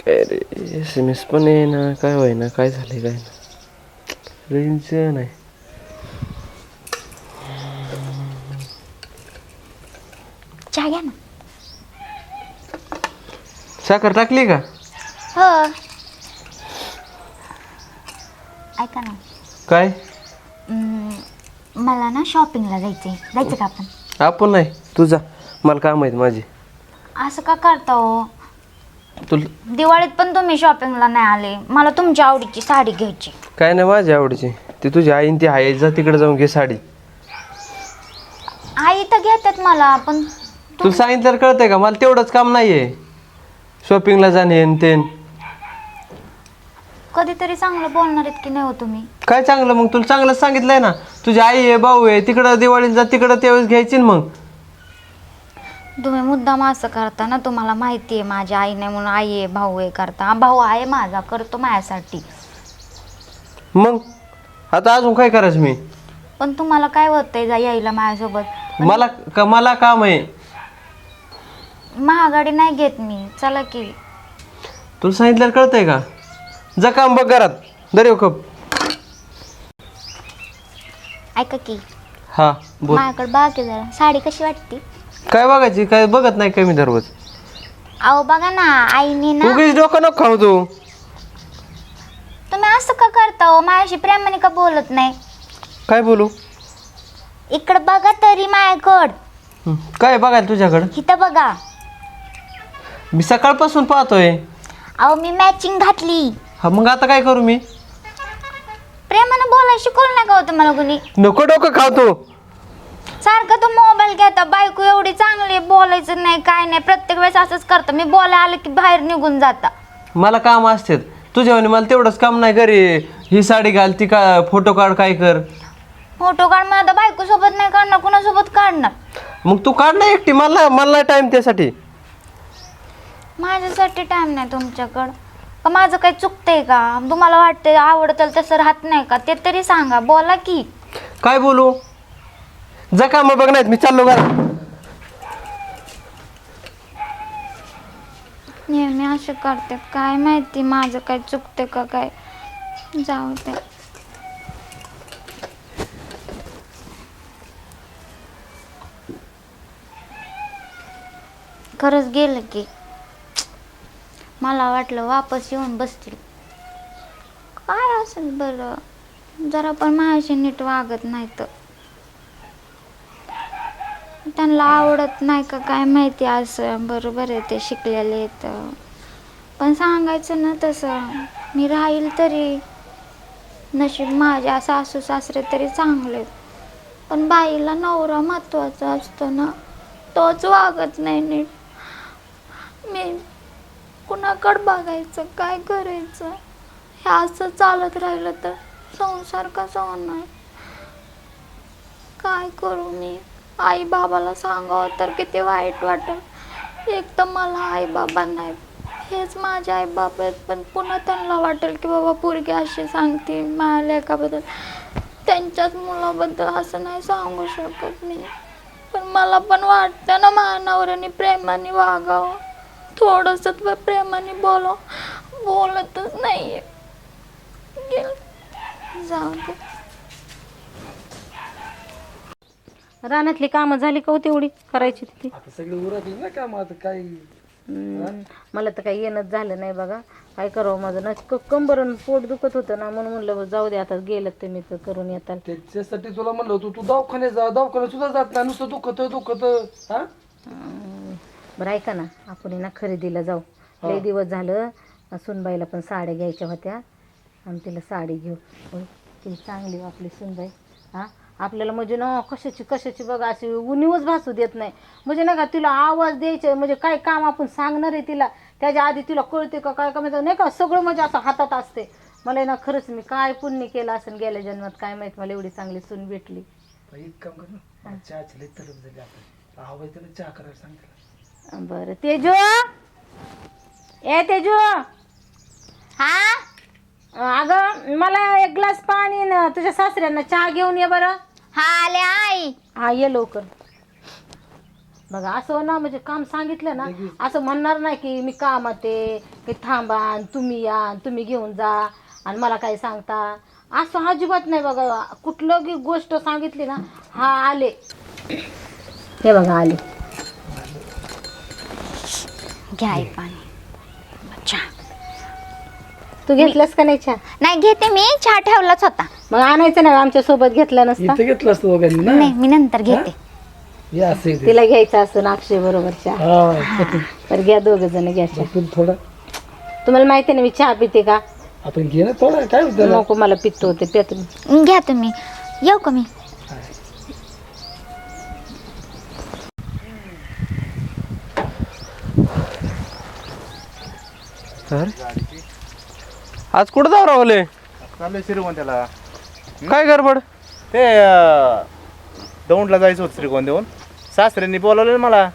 अरे SMS पण आहे ना, काय होय ना, काय झालंय काय ना, रेंज नाही. चहा घ्या ना. साखर टाकली का? हो. ऐका ना. काय? मला ना शॉपिंगला जायचं का आपण? आपण नाही, तुझा मला काम आहेत माझी. असं का करता हो? तुला दिवाळीत पण तुम्ही शॉपिंगला नाही आले. मला तुमच्या आवडीची साडी घ्यायची. काय नाही माझ्या आवडीची, ती तुझी आईन ती आहे, जा तिकडे जाऊन घे साडी. आई तर घेतात मला, पण तुला सांगितलं कळतंय का? मला तेवढंच काम नाहीये शॉपिंगला जाणे ते. कधीतरी चांगलं बोलणार आहेत की नाही हो तुम्ही? काय चांगलं? मग तुला चांगलंच सांगितलंय ना, तुझी आई आहे, भाऊ आहे, तिकडं दिवाळीला जा, तिकडं त्यावेळेस घ्यायची ना. मग तुम्ही मुद्दाम असं करता ना. तुम्हाला माहिती आहे माझी आई नाही म्हणून आई आहे, भाऊ आहे करता. भाऊ आहे माझा, करतो माझ्यासाठी. मग आता अजून काय करायचं मी? पण तुम्हाला काय होतंय जा यायला माझ्यासोबत? मला काम आहे. महागाडी नाही घेत मी, चला की. तुला सांगितलं कळतंय का? जा काम बघ घरात, दर येऊ कप. ऐका की, हा बोल. माझ्याकडे बाकी जरा साडी कशी वाटते? काय बघायची? काय बघत नाही कमी दररोज. अहो बघा ना, आईने ना. उगीच डोकं नको खाऊ तू. तुम्ही असं का करता हो? माझ्याशी प्रेमाने का बोलत नाही? काय बोलू? इकडं बघा तरी माझ्याकडं. काय बघायला तुझ्याकडं? इथं बघा. मी सकाळपासून पाहतोय. अहो मी मॅचिंग घातली. हा मग आता काय करू मी? प्रेमानं बोलायला शिकवलं नाही का हो तुम्हाला कुणी? नको डोकं खाऊ तू. सारखं तो मोबाईल घेता. बायको एवढी चांगली, बोलायचं नाही काय नाही, प्रत्येक वेळेस असंच करतं. मी बोलायला आलं की बाहेर निघून जाता. मला काम असतात तुझ्यावानी, मला तेवढंच काम नाही. घरी ही साडी घाल, ती का फोटो काढ, काय कर. फोटो काढ. मला आता बायको सोबत नाही काढणार, कुणासोबत काढणार? मग तू काढ ना एकटी, मला टाइम त्यासाठी. माझ्यासाठी टाइम नाही तुमच्याकडं? का माझं काही चुकतंय का? तुम्हाला वाटतंय आवडतं तसं राहत नाही का? ते तरी सांगा, बोला की. काय बोलू? जा काम बघ, नाहीत मी चाललो घरात. नेहमी असे करते, काय माहिती माझं काय चुकते का काय. जाऊ दे. खरंच गेलं की. मला वाटलं वापस येऊन बसतील. काय असेल बरं, जरा पण माझ्याशी नीट वागत नाही तर. त्यांना आवडत नाही का काय माहिती. असं बरोबर आहे, ते शिकलेले आहेत. पण सांगायचं ना तसं. मी राहील तरी. नशीब माझ्या सासू सासरे तरी चांगले. पण बाईला नवरा महत्वाचा असतो ना, तोच वागत नाही नीट. मी कुणाकडं बघायचं, काय करायचं? हे असं चालत राहिलं तर संसार कसा होणार? काय करू मी? आई बाबाला सांगावं तर किती वाईट वाटेल. एक तर मला आई बाबा नाही, हेच माझे आई बाबा आहेत. पण पुन्हा त्यांना वाटेल की बाबा पोरगी अशी सांगते माझ्या लेकाबद्दल, त्यांच्याच मुलाबद्दल असं नाही सांगू शकत मी. पण मला पण वाटतं ना माझ्या नवऱ्याने प्रेमाने वागावं, थोडंसं प्रेमाने बोलतच नाहीये. जाऊ दे. रानातली कामं झाली का हो तेवढी करायची तिथे? आता सगळे उरकले ना काम, आता काय. मला तर काही येणंच झालं नाही बघा. काय करावं, माझं ना कंबरन पोट दुखत होतं ना, म्हणून म्हणलं जाऊ दे आता, गेलं तुम्ही तर करून येताल. त्याच्यासाठी तुला म्हणलं होतं, तू दवाखान्यात जा. दवाखान्यात सुद्धा जात नाही, नुसतं दुखत हा. बरं ऐका ना, आपण ना खरेदीला जाऊ. लई दिवस झालं. सुनबाईला पण साड्या घ्यायच्या होत्या आणि तिला साडी घेऊ. ती चांगली आपली सुनबाई. हा आपल्याला म्हणजे ना कशाची बघा अशी उणीवच भासू देत नाही. म्हणजे नाही का तिला आवाज द्यायचे, म्हणजे काय काम आपण सांगणार आहे तिला, त्याच्या आधी तिला कळते का काय का नाही का, सगळं म्हणजे असं हातात असते. मला ना खरंच मी काय पुण्य केलं असेल गेल्या जन्मात काय माहित, मला एवढी चांगली सून भेटली. एक काम कर ना, चहाची लई तलब झाली. आपण आवाज त्याला चहा करायला सांगितलं. बरं तेजू, ए तेजू. हा अगं मला एक ग्लास पाणी ना तुझ्या सासऱ्यांना चहा घेऊन ये बरं. हा आले आई. हा ये लवकर. बघा असं ना म्हणजे काम सांगितलं ना असं म्हणणार नाही की मी कामात आहे की थांबा आणि तुम्ही या आणि तुम्ही घेऊन जा आणि मला काय सांगता, असं अजिबात नाही बघा. कुठलं की गोष्ट सांगितली ना, हा आले, हे बघा आले. घ्या आई पाणी. चहा तू घेतलंस का नाही चहा? नाही घेते मी, चहा ठेवलाच होता. मग आणायचं नाही आमच्या सोबत घेतला नसता. इथं घेतलं असतं दोघांनी ना. नाही मी नंतर घेते. हे असं आहे ते. तिला घ्यायचं असं अक्षय बरोबर चहा. हा, तर घ्या दोघं जण घ्या चहा. आपण थोडं तुम्हाला माहिती आहे ना मी चहा पिते का? आपण घे ना थोडं, काय होतं त्याला? नको मला पित्त होते प्या तुम्ही. घ्या तुम्ही. येऊ का मी? तर आज कुठं जाऊ रावले? चाललंय श्रीगोंद्याला. काय गडबड? ते दौंडला जायचं होतं श्रीगोंद्याहून. सासऱ्यांनी बोलावलं मला.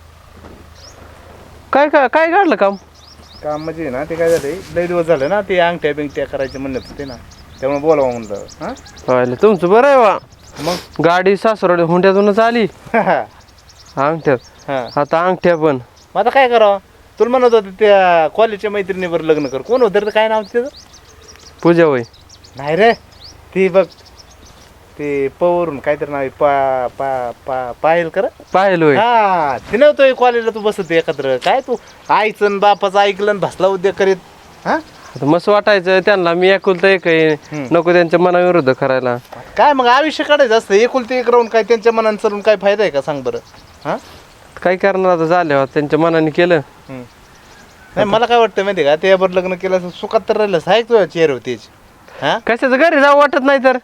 काय काय काय काढलं काम? काम म्हणजे ना ते काय झालंय, लय दिवस झालं ना ते अंगठ्या बिंगट्या करायचे म्हणत होते ना, त्यामुळे बोलावं म्हणलं. हां पाहिलं तुमचं बरं आहे वा. मग गाडी सासरवाडी हुंड्यातूनच आली अंगठ्यात. हां आता अंगठ्या पण. मग आता काय करावं? तुला म्हणत होते त्या कॉलेजच्या मैत्रिणीवर लग्न कर. कोण होतं रे, काय नाव त्याचं? पूजा होय. नाही रे, ती बघ ते पवरून काहीतरी नाव आहे, पा पा पा पायल कर. पाहिलं होय. हा ते नव्हतं कॉलेजला तू बसत एकत्र. काय तू आईचं आणि बापाचं ऐकलं आणि भसला उद्योग करीत. हा आता मस्त वाटायचं त्यांना, मी एकुलता एक आहे, नको त्यांच्या मनाविरुद्ध करायला. काय मग आयुष्य काढायचं असतं एकुलते एक राहून, काय त्यांच्या मनानं चालून काय फायदा आहे का सांग बरं? हा काय करणार आता, झाल्यावर त्यांच्या मनाने केलं. नाही मला काय वाटतं माहिती आहे का, त्यावर लग्न केलं असं सुखात तर राहिलं साहेब तुझ्या चेहरे होतीच. हा कशाचं घरी जाऊ वाटत नाही तर.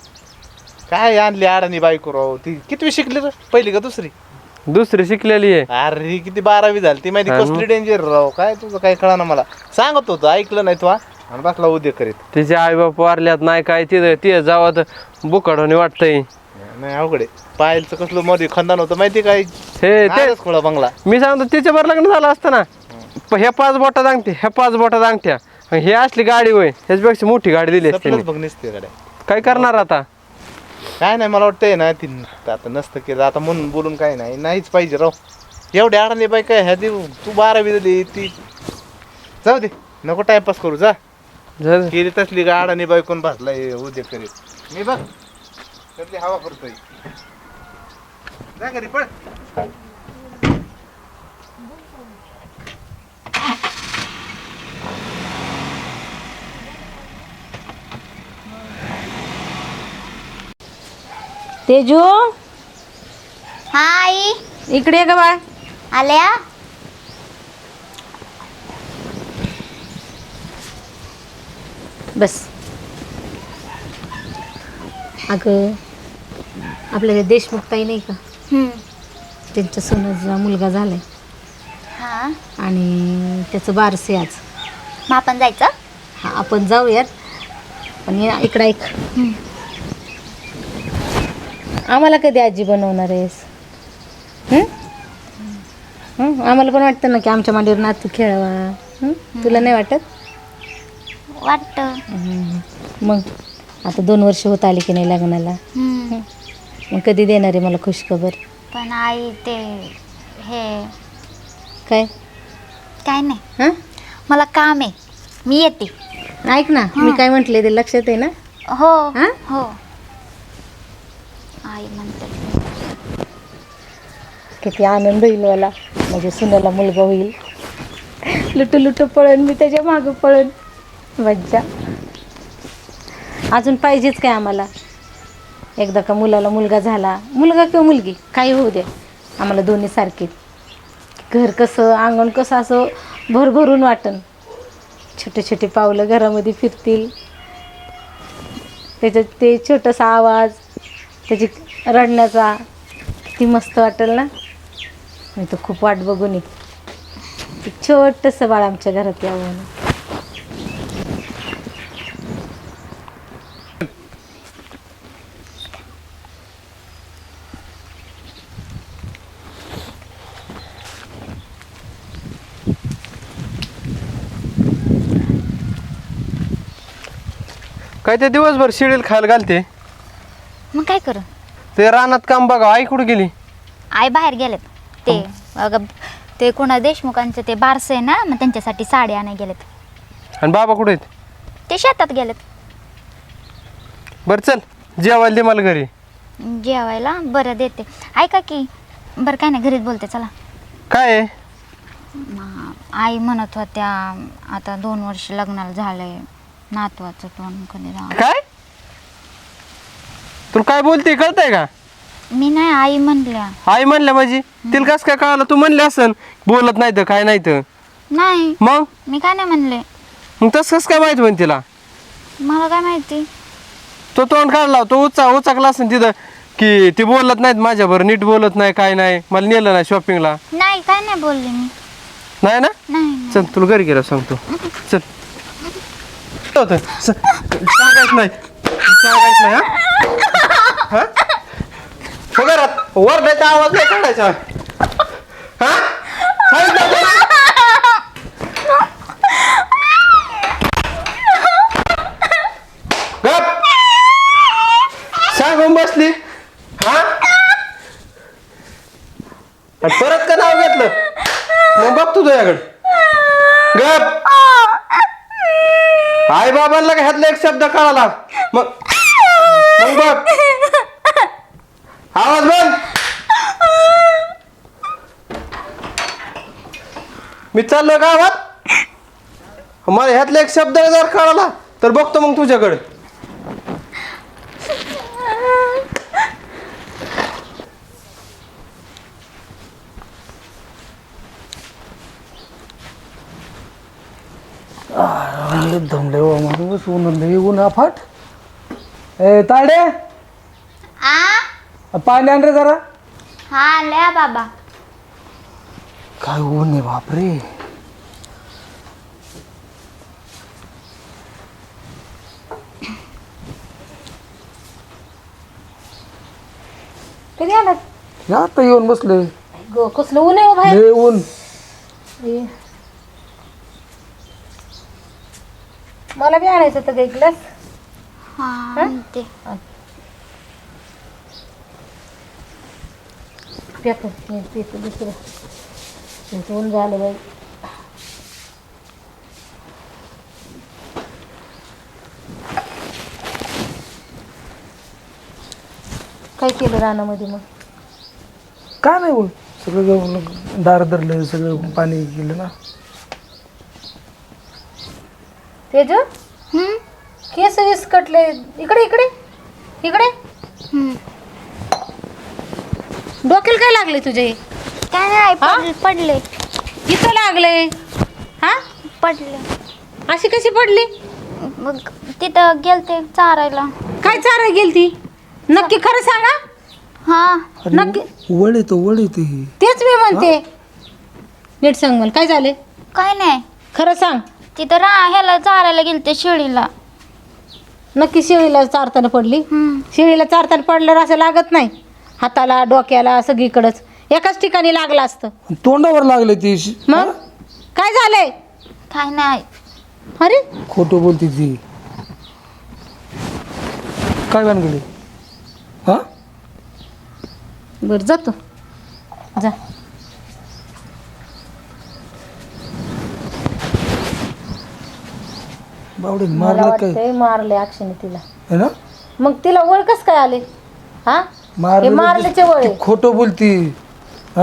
काय आणली अडाणी बायको राव. ती कितवी शिकली रे, पहिली का दुसरी? दुसरी शिकलेली आहे. अरे ही किती 12वी झाली ती माहिती. कसली डेंजर राव. काय तुझं काय कळा ना मला. सांगत होतं ऐकलं नाही तू आणि बसला उद्योग करीत. तिचे आई बाप वारल्यात नाही काय, तिथे जावं तर बुकाडोनी वाटतंय. नाही अवघड आहे. पायलचं कसलं मध्ये खंदान होतं माहिती काय? हे ते नादच खोळा बंगला. मी सांगतो तिच्यावर लग्न झालं असतं ना, ह्या 5 बोटात अंगठ्या, ह्या 5 बोटात अंगठ्या, आणि हे असली गाडी होय, ह्याच्यापेक्षा मोठी गाडी दिली असते. सपनच बघ नसते गाड्या. काय करणार आता? काय नाही मला वाटतंय ना ती आता नसतं केलं आता म्हणून बोलून काय नाही. नाहीच पाहिजे राव. एवढे अडाणी बाई काय ह्या देऊ. तू 12वी झाली ती. जाऊ दे नको टाइमपास करू. जा जर केली तसली का अडाणी बाई कोण भासलाय उद्योग करीत. मी बघ त्यातली हवा करतोय. जा घरी पळ. तेजू हाय इकडे ये ग बाळ. आल्या. बस. अगं आपल्या देशमुख ताई नाही का, त्यांच्या सोनाचा मुलगा झालाय हा आणि त्याचं बारसे आज. मग आपण जायचं? हा आपण जाऊयात. पण इकडं ऐक, आम्हाला कधी आजी बनवणार आहेस? आम्हाला पण वाटतं ना की आमच्या मांडीवर नातू खेळावा. तुला नाही वाटत? वाटतं. मग आता 2 वर्ष होत आली की नाही लग्नाला. मग कधी देणार आहे मला खुशखबर? पण आई ते हे काय काय नाही, हां मला काम आहे, मी येते. ऐक ना, मी काय म्हटले ते लक्षात आहे ना? हो हा? हो. आई म्हणते किती आनंद होईल मला. म्हणजे सुनाला मुलगा होईल. लुटू लुटू पळण मी त्याच्या मागं पळण. मज्जा. अजून पाहिजेच काय आम्हाला? एकदा का मुलाला मुलगा झाला, मुलगा किंवा मुलगी काही होऊ दे, आम्हाला दोन्ही सारखे. घर कसं अंगण कसं असं भरभरून वाटन. छोटे छोटे पावलं घरामध्ये फिरतील. त्याच्यात ते छोटासा आवाज, त्याची रडण्याचा किती मस्त वाटेल ना. मी तर खूप वाट बघून ये एक छोटंसं बाळ आमच्या घरात यावं. काय ते दिवसभर शिडील खायला घालते. मग काय करू? ते रानात काम बघा. आई कुठे गेली? आई बाहेर गेलेत. ते ते कोणा देशमुखांचं ते बारसं आहे ना, मग त्यांच्यासाठी साडी आणाय गेलेत. आणि बाबा कुठे आहेत? ते शेतात गेलेत बरं चल जेवायला दे मला घरी. जेवायला. बरं देते. ऐका की, बरं काय नाही, घरीच बोलते चला. काय आहे? आई म्हणत होत्या आता 2 वर्ष लग्नाला झालंय, नातवाचं तोंड कधी राव. काय तुला काय बोलते कळतंय का? मी नाही, आई म्हणल्या. आई म्हणल्या माझी तिला कस काय कळालं? तू म्हणले असन बोलत नाही तर काय नाही तर. नाही मग मी काय नाही म्हणले. मग तसं कसं काय माहित म्हण तिला? मला काय माहिती. तो तोंड काढला, तो उचाकला असेल तिथं की ती बोलत नाहीत माझ्याबरोबर, नीट बोलत नाही काय नाही, मला नेलं नाही शॉपिंगला. नाही काय नाही बोलले मी. नाही ना? नाही चल तुला घरी गेला सांगतो. चल होतं. सांगायच नाही, सांगायच नाही. हा हो घरात वरडायचा आवाज नाही काढायचा. हा सांगितलं होतं ना? गप सांगून बसली. हा आणि परत का नाव घेतलं? मग बघ तू तुझ्याकडे. गप आई बाबांना का ह्यातला एक शब्द कळाला मग बघ आवाज बंद. मी चाललोय गावात, मला ह्यातला एक शब्द जर कळाला तर बघतो मग तुझ्याकडे. दमले हो माणूस, ऊन अफाट. ए ताडे, पाणी आण रे जरा. हा लया बाबा. काय ऊन आहे बापरे. कधी आलात? आता येऊन बसले. गो कसलं ऊन आहे हो बाहेर. लय ऊन. ए. मला बी आणायचं होतं काही ग्लास. हा ते पेपर दुसरं ऊन झालं बाई. काय केलं रानामध्ये मग? काय नाही बोल, सगळं जाऊन दार धरलं, सगळं पाणी गेलं ना. तेज केस विस्कटले. इकडे इकडे इकडे. डोक्याला काय लागले तुझे? काय नाही पडले. इथं लागले. हा पडले. अशी कशी पडली? मग तिथं गेलते चारायला. काय चारा गेलती? नक्की खरं सांगा. हा नक्की. वड येते. तेच मी म्हणते. नीट सांग मला काय झाले. काय नाही, खरं सांग. तिथं ह्याला चारायला गेलते शेळीला. नक्की शेळीला चारताना पडली? शेळीला चारताना पडल्यावर असं लागत नाही, हाताला डोक्याला सगळीकडंच एकाच ठिकाणी लागलं असतं. तोंडावर लागले ती. मग काय झालंय? काय नाही. अरे खोटं बोलती ती. काय भानगडी? हा बरं जातो जा. बावडे मला मारलं काय वाटतंय मारले अक्षयने तिला. है ना? मग तिला वळ कस काय आले? हा हे मारल्याचे वळ आहे. खोटं बोलती. हा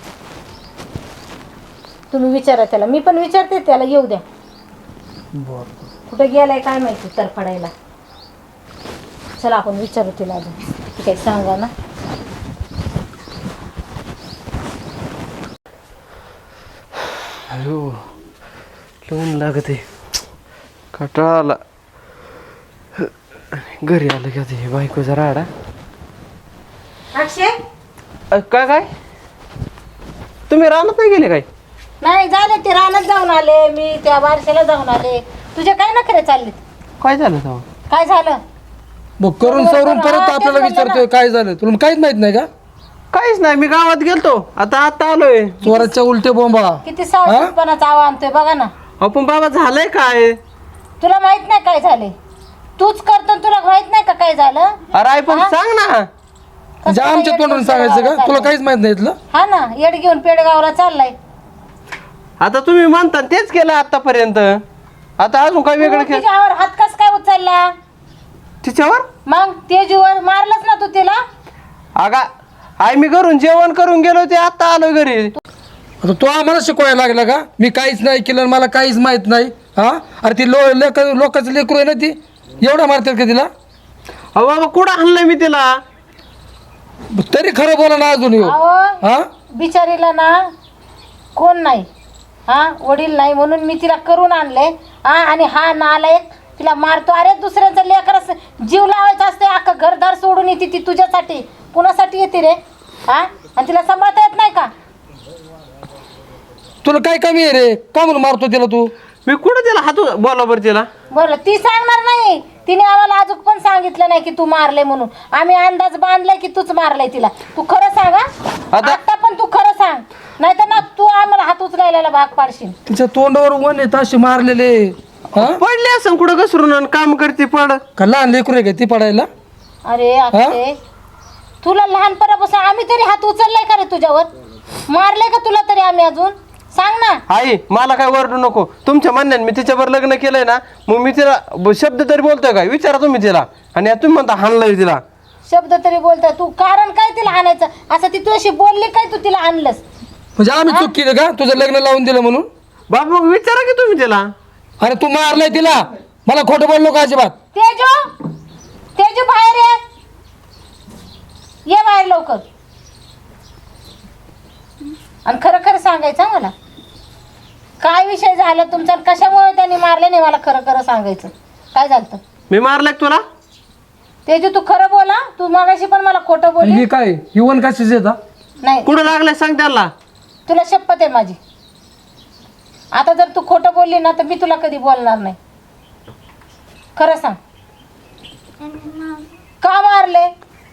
तुम्ही विचारा त्याला, मी पण विचारते त्याला. येऊ द्या. बर कुठे गेलाय काय माहिती तरफडायला. चला आपण विचारू तिला अजून. ती काही सांगा ना. अयो लवून लागत आहे, कंटाळा आला. घरी आलं की आता हे बायकोचा राडा. अक्षय काय तुम्ही रानात नाही गेले काय? नाही झाले, ते रानात जाऊन आले मी, त्या बारशाला जाऊन आले. तुझे काय नखरे चाललेत? काय झालं तेव्हा? काय झालं? मग करून सवरून परत आपल्याला विचारतोय काय झालं. तुला काहीच माहित नाही का? काहीच नाही, मी गावात गेलतो, आता आलोय. चोराच्या उलटे बोंबा. किती सावधपणाचा आवा आणतोय बघा ना. आपण बाबा झालंय काय? तुला माहित नाही काय झाले? तूच करतो, तुला माहित नाही का काय झालं? अरे आई पण सांग ना. म्हणजे आमच्या तोंडून सांगायचं का तुला काहीच माहित नाही इथलं हा ना येड घेऊन पेडगावला चाललाय. आता तुम्ही म्हणता तेच केलं आतापर्यंत, आता अजून काय वेगळं तू केलं तिच्यावर हात कस काय उचलला? तिच्यावर? मग तेजूवर मारलंच ना तू तिला. अगा आई मी घरून जेवण करून गेलो ते आता आलो घरी. आता तू आम्हाला शिकवायला लागला का? मी काहीच नाही केलं आणि मला काहीच माहित नाही. हा अरे ती लोकांचं लेकरू आहे ना, ती एवढं मारतात का तिला? अहो बाबा कुठं आणलंय मी तिला? तरी खरं बोला ना अजून येऊ. अहो हा बिचारीला ना कोण नाही, हा वडील नाही म्हणून मी तिला करून आणले. हा आणि हा नालायक तिला मारतो. अरे दुसऱ्यांचं लेकर जीव लावायचा असते, अख्खं घरदार सोडून येते ती तुझ्यासाठी. कुणासाठी येते रे? हा आणि तिला सांभाळता येत नाही का? तुला काय कमी आहे रे? का म्हणून मारतो तिला तू? मी कुठं तिला हात बोला बरं तिला? बरं ती सांगणार नाही. तिने आम्हाला अजून पण सांगितलं नाही की तू मारले म्हणून. आम्ही अंदाज बांधलाय की तूच मारलाय तिला. तू खरं सांग हा? आता पण तू खरं सांग, नाही तर ना तू आम्हाला हात उचलायला भाग पाडशील. तिच्या तोंडावर वन येत असे मारलेले. हा पडले असं कुठं घसरून आणि काम करते पड. का लहान लेकरू आहे का ती पडायला? अरे अक्षय तुला लहानपणापासून आम्ही तरी हात उचललाय का रे तुझ्यावर? मारले का तुला तरी आम्ही अजून? सांग ना. आई मला काय वरडू नको. तुमच्या म्हणण्याने मी तिच्यावर लग्न केलंय ना, मग मी तिला शब्द तरी बोलतोय का विचारा तुम्ही तिला. आणि आता तुम्ही म्हणता हाणलंय तिला. शब्द तरी बोलताय तू? कारण काय तिला आणायचं? असं ती तुझ्याशी बोलली काय तू तिला आणलंस? म्हणजे आम्ही चूक केली का तुझं लग्न लावून दिलं म्हणून? बाबा मग विचारा की तुम्ही तिला. अरे तू मारलाय तिला, मला खोटं बोललो का अजिबात? तेजू तेजू बाहेर ये बाहेर लवकर. आणि खरं खरं सांगायचं मला काय विषय झाला तुमचा आणि कशामुळे त्यांनी मारले नाही. मला खरं खरं सांगायचं काय झालं. मी मारलाय का तुला? तेजू तू खरं बोला. तू मागाशी पण मला खोटं बोलली. हे काय हिवन कशाच येता? नाही कुठं लागलाय सांग त्याला. तुला शपथ आहे माझी. आता जर तू खोटं बोलली ना तर मी तुला कधी बोलणार नाही. खरं सांग का मारले?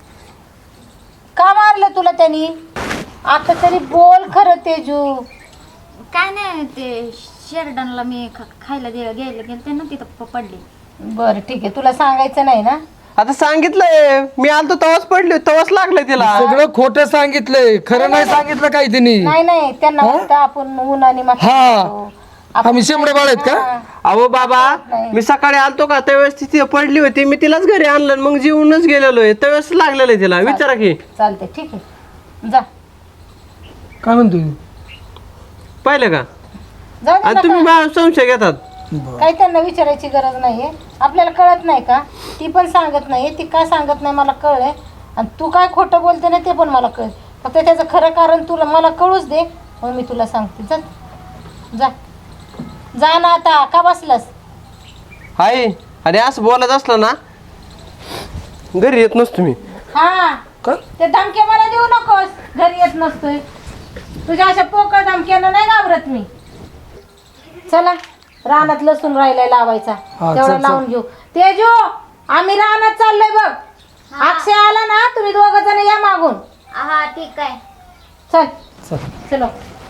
का मारले तुला त्यांनी? आता तरी बोल खरं तेजू. काय नाही ते शेरडनला मी खायला घ्यायला गेलते ना, तिथं पडली. बरं ठीक आहे, तुला सांगायचं नाही ना? आता सांगितलंय मी आलतो तवाच पडली, तवाच लागलंय तिला. सगळं खोटं सांगितलंय, खरं नाही सांगितलं काय तिने. नाही नाही त्यांना वाटतं आपण ऊन आणि आम्ही शेंबडे बाळ आहेत का? अहो बाबा मी सकाळी आलतो का त्यावेळेस ती पडली होती, मी तिलाच घरी आणलं मग जीवनच गेलेलो आहे. त्यावेळेस लागलेलं आहे तिला. विचारा की. चालते ठीक आहे जा. काय म्हणतोय? पाहिलं का? जाऊ दे आणि ना तुम्ही मला संशय घेतात. काही त्यांना विचारायची गरज नाहीये. आपल्याला कळत नाही का? ती पण सांगत नाही. ती का सांगत नाही मला कळलंय. आणि तू काय खोटं बोलते ना ते पण मला कळेल. फक्त त्याचं खरं कारण तुला मला कळूच दे, मग मी तुला सांगते. जा जा जा ना. आता का बसलास? हाय आणि असं बोलत असलं ना घरी येत नसतो मी. हा ते धमके मला देऊ नकोस. घरी येत नसतोय. तुझ्या अशा पोकळ धमक्यानं नाही घाबरत मी. चला रानात लसूण राहिलाय लावायचा, तेवढा लावून घेऊ. तेजू आम्ही रानात चाललोय बघ. अक्षय आला ना तुम्ही दोघ जण या मागून. हा ठीक आहे. चल चलो.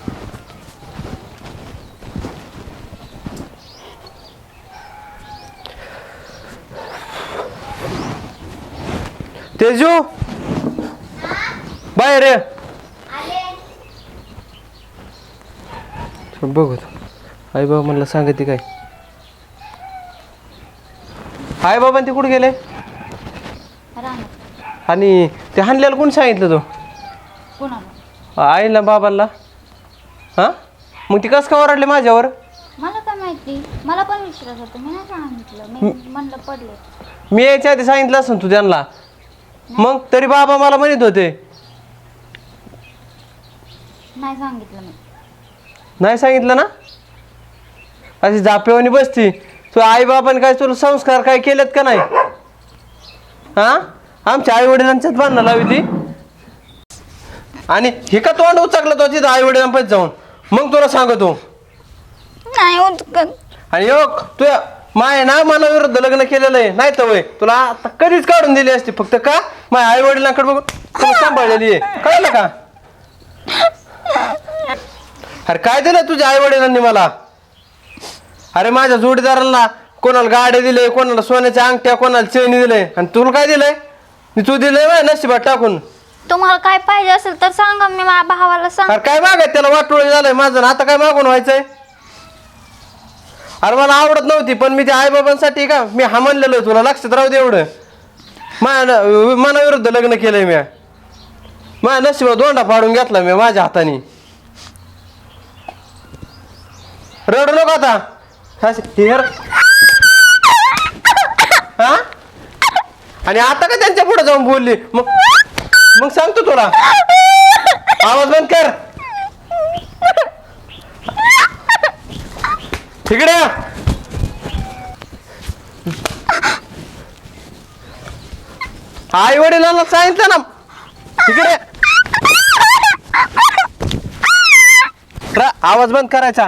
तेजू बाहेर ये. बघू आई बाबा म्हणलं सांगते काय. आई बाबा ते कुठे गेले? आणि ते हाणल्याला कोण सांगितलं तो? कोणाला? आईला बाबांना. हा मग ती कसं का ओरडले माझ्यावर? मला काय माहिती, मला पण विचारत होतं. मी नाही सांगितलं. मी म्हणलं पडले. मी यायच्या आधी सांगितलं असं तू त्यांना. मग तरी बाबा मला म्हणत होते. नाही सांगितलं मी. नाही सांगितलं ना? अशी जापेवानी बसती तू. आई बाबाने काय तुला संस्कार काय केलेत का नाही? हा आमच्या आई वडिलांच्याच बांधणं लावी ती. आणि हे का तोंड उचकलं तो तिथं आई वडिलांपास जाऊन. मग तुला सांगतो नाही उचकत. आणि योग तू माय ना मला विरुद्ध लग्न केलेलं आहे. नाही तर वय तुला आता कधीच काढून दिली असती. फक्त का माझ्या आई वडिलांकडे बघून तुला सांभाळलेली आहे. कळलं का? अरे काय दिलं तुझ्या आई वडिलांनी मला? अरे माझ्या जोडीदारांना कोणाला गाड्या दिले, कोणाला सोन्याच्या अंगठ्या, कोणाला चेनी दिले. आणि तुला काय दिलंय? तू दिलंय माझ्या नशिबात टाकून. तुम्हाला काय पाहिजे असेल तर सांगा, मी माझ्या भावाला सांग. अरे काय मागायचं त्याला, वाटोळी झालंय माझं आणि आता काय मागून व्हायचंय. अरे मला आवडत नव्हती पण मी त्या आईबाबांसाठी का मी हा म्हणलेलो तुला लक्षात राहू दे एवढं. मनाविरुद्ध लग्न केलंय मी. माझ्या नशिबात दोंडा फाडून घेतला मी माझ्या हाताने. रडू नको आता. हा आणि आता का त्यांच्या पुढे जाऊन बोलली मग सांगतो तुला. आवाज बंद कर. तिकडे आई वडिलांना सांगितलं ना. तिकडे आवाज बंद करायचा.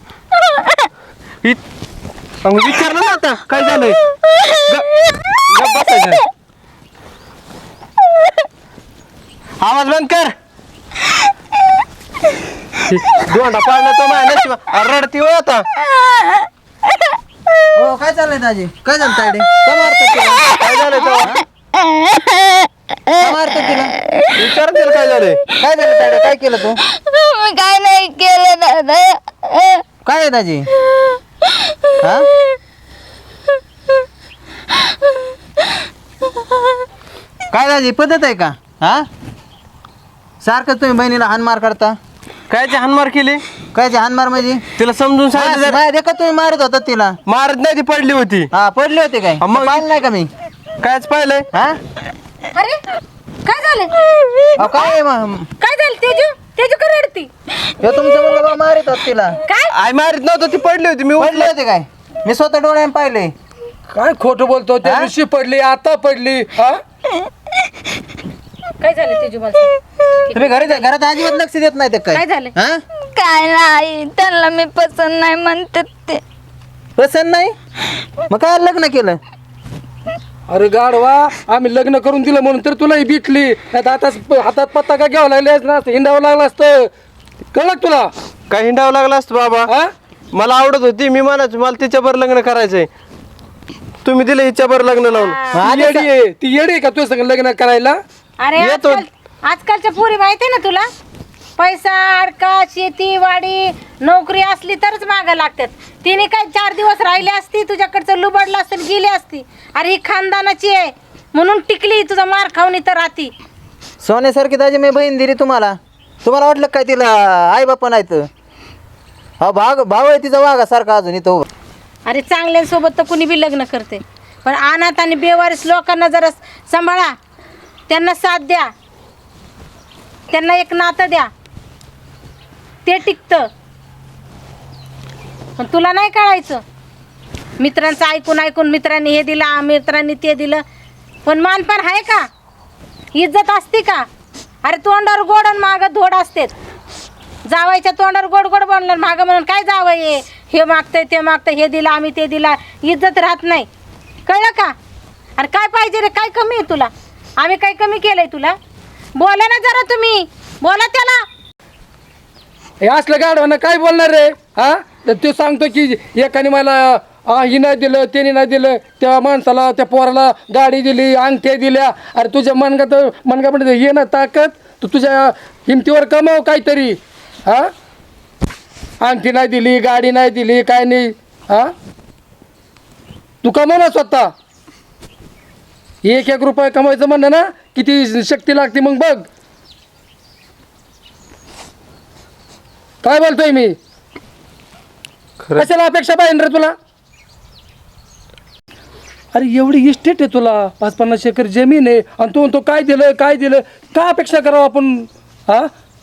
विचारलं ना आता काय झालंय. गप्प बसायचं. आवाज बंद कर. दोंडा पाडला तो माझ्या नशिबा. रडती हो आता. हो काय चाललंय दाजी? काय झालं तायडे? का मारतात तिला? काय झालंय तेव्हा का मारतात तिला? विचार तिला काय झालंय. काय झालं तायडे? काय केलं तू? मी काय नाही केलं दादा. काय आहे दाजी? हा? काय दाजी पद्धत आहे का? हा सारखं तुम्ही बहिणीला हानमार करता. कायची हानमार केली. कायचे हानमार म्हणजे? तिला समजून सांगितलं जरा. देखा तुम्ही मारत होता तिला. मारत नाही ती पडली होती. हा पडले होते काय? मग- पाहिलं नाही का मी? कायच पाहिलंय. हा अरे काय झालं? अहो, काय आहे मग? काय झालं तेजू? तेजू का रडती? ह्यो तुमचा मुलगा मारित होता तिला. काय? आई मारित नव्हतं ती पडली होती. मी पडले होते काय? मी स्वतः डोळ्याने पाहिले. काय खोटं बोलतो. त्या हा? दिवशी पडली आता पडली. हा काय झालं तेजू मला सांग. तुम्ही घरात अजिबात लक्ष देत नाही ते काय काय झालं? हा काय नाही, त्यांना मी पसंत नाही म्हणतात ते. पसंत नाही मग काय लग्न केलं? अरे गाडवा, आम्ही लग्न करून दिलं म्हणून तर तुलाही भेटली. नाही आता हातात पत्ता का घ्यावं लागले ना, हिंडावं लागलं असतं. कळलं का तुला? काय हिंडावं लागलं असतं बाबा. हा मला आवडत होती. मी म्हणायचो मला तिच्यावर लग्न करायचंय. तुम्ही दिलं हिच्यावर लग्न लावून. ती येडी आहे. ती येडी आहे का तुझ्या संग लग्न करायला? अरे आजकालच्या पोरी माहिती ना तुला, पैसा अडका शेती वाडी नोकरी असली तरच मागं लागतात. तिने काय 4 दिवस राहिली असती, तुझ्याकडचं लुबडलं असतं गेली असती. अरे ही खानदानाची आहे म्हणून टिकली. तुझा मार खाऊन इथं राहती. सोन्यासारखी दाजी मी बहीण दिली तुम्हाला. तुम्हाला वाटलं काय तिला आई बापा नाहीत? हा भाव आहे तिचा वाघासारखा अजून इथं उभा. अरे चांगल्यांसोबत तर कुणी बी लग्न करते, पण अनाथ आणि बेवारीस लोकांना जरा सांभाळा. त्यांना साथ द्या, त्यांना एक नातं द्या, ते टिकतं. पण तुला नाही कळायचं. मित्रांचं ऐकून ऐकून मित्रांनी हे दिलं मित्रांनी ते दिलं, पण मानपान आहे का? इज्जत असते का? अरे तोंडावर गोड आणि मागं धोड असते. जावायच्या तोंडावर गोड गोड बनलं मागं म्हणून काय जावं हे मागतंय ते मागतंय, हे दिलं आम्ही ते दिला, इज्जत राहत नाही. कळलं का? अरे काय पाहिजे रे? काय कमी आहे तुला? आम्ही काय कमी केलंय तुला? बोला ना जरा, तुम्ही बोला त्याला. हे असलं गाडवानं काय बोलणार रे? हा तर तो सांगतो की एकाने मला ही नाही दिलं, त्याने नाही दिलं, त्या माणसाला त्या पोराला गाडी दिली, अंगठ्या दिल्या. अरे तुझ्या मनगामध्ये ये ना ताकद, तू तुझ्या हिमतीवर कमाव काहीतरी. हा अंगठी नाही दिली, गाडी नाही दिली, काय नाही. हा तू कमाव ना स्वतः. 1-1 रुपये कमवायचं म्हणणं ना, किती शक्ती लागते मग बघ. काय बोलतोय मी? कशाला अपेक्षा पाहिजे रे तुला? अरे एवढी इस्टेट आहे तुला, 50-50 एकर जमीन आहे, आणि तू म्हणतो काय दिलं काय दिलं. का अपेक्षा करावं आपण? हा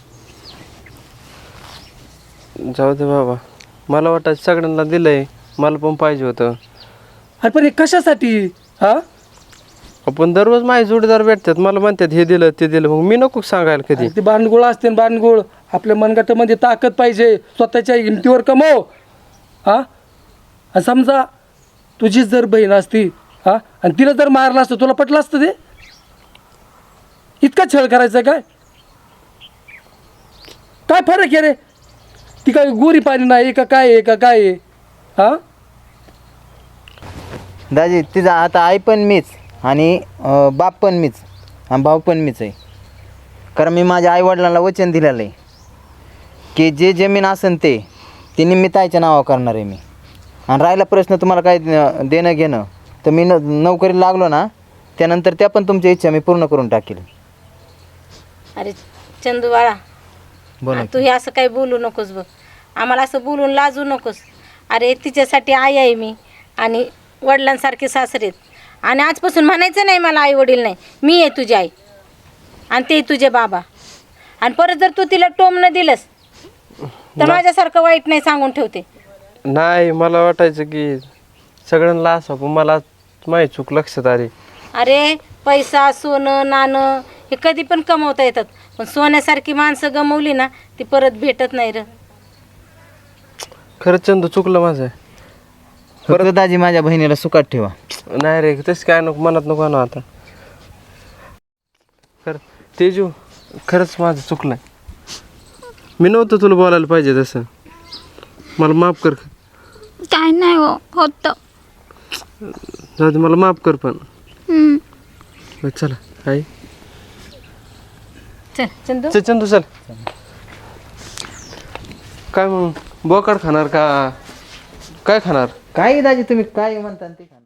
जाऊ दे बाबा. मला वाटायचं सगळ्यांना दिलंय, मला पण पाहिजे होतं. अरे पण हे कशासाठी? हा आपण दररोज माझे जोडीदार भेटतात, मला म्हणतात हे दिलं ते दिलं, मग मी नको सांगायला कधी. ते बांडगुळ असते बांडगुळ. आपल्या मनगटामध्ये ताकद पाहिजे, स्वतःच्या हिमतीवर कमव. हा आणि समजा तुझीच जर बहीण असती हा आणि तिला जर मारलं असतं, तुला पटलं असतं ते? इतका छळ करायचा काय? काय फरक आहे रे? ती काय गोरी पाणी नाही का काय आहे का काय आहे? हा दाजी तिचा आता आई पण मीच आणि बाप पण मीच आणि भाऊ पण मीच आहे. कारण मी माझ्या आईवडिलांना वचन दिलेलं आहे की जे जमीन असेल ते निम्मी ताईच्या नावावर करणार आहे मी. आणि राहिला प्रश्न तुम्हाला काय देणं घेणं, तर मी नोकरीला लागलो ना त्यानंतर त्या पण तुमच्या इच्छा मी पूर्ण करून टाकेल. अरे चंदू बाळा, बोला तू हे असं काही बोलू नकोस बघ. आम्हाला असं बोलून लाजू नकोस. अरे तिच्यासाठी आई आहे मी आणि वडिलांसारखे सासरेत. आणि आजपासून म्हणायचं नाही मला आई वडील नाही, मी आहे तुझी आई आणि ते तुझे बाबा. आणि परत जर तू तिला टोम न दिलंस तर माझ्यासारखं वाईट नाही सांगून ठेवते. नाही, मला वाटायचं की सगळ्यांना असं, पण मला माझी चूक लक्षात आली. अरे पैसा सोनं नाणं हे कधी पण कमवता येतात, पण सोन्यासारखी माणसं गमवली ना ती परत भेटत नाही र. खरंच चंदू चुकलं माझं. फक्त दाजी माझ्या बहिणीला सुखात ठेवा. नाही रे, तसं काय नको, मनात नको ना आता. तेजू, खरंच माझं चुकलं. मी नव्हतं तुला बोलायला पाहिजे तसं. मला माफ कर. काय नाही होतं. जाऊ दे, मला माफ कर. पण बरं, चला आई. चल चंदू. चल चंदू चल. काय मग बोकाड खाणार का काय खाणार? काय दाजी तुम्ही काय म्हणता ते खा.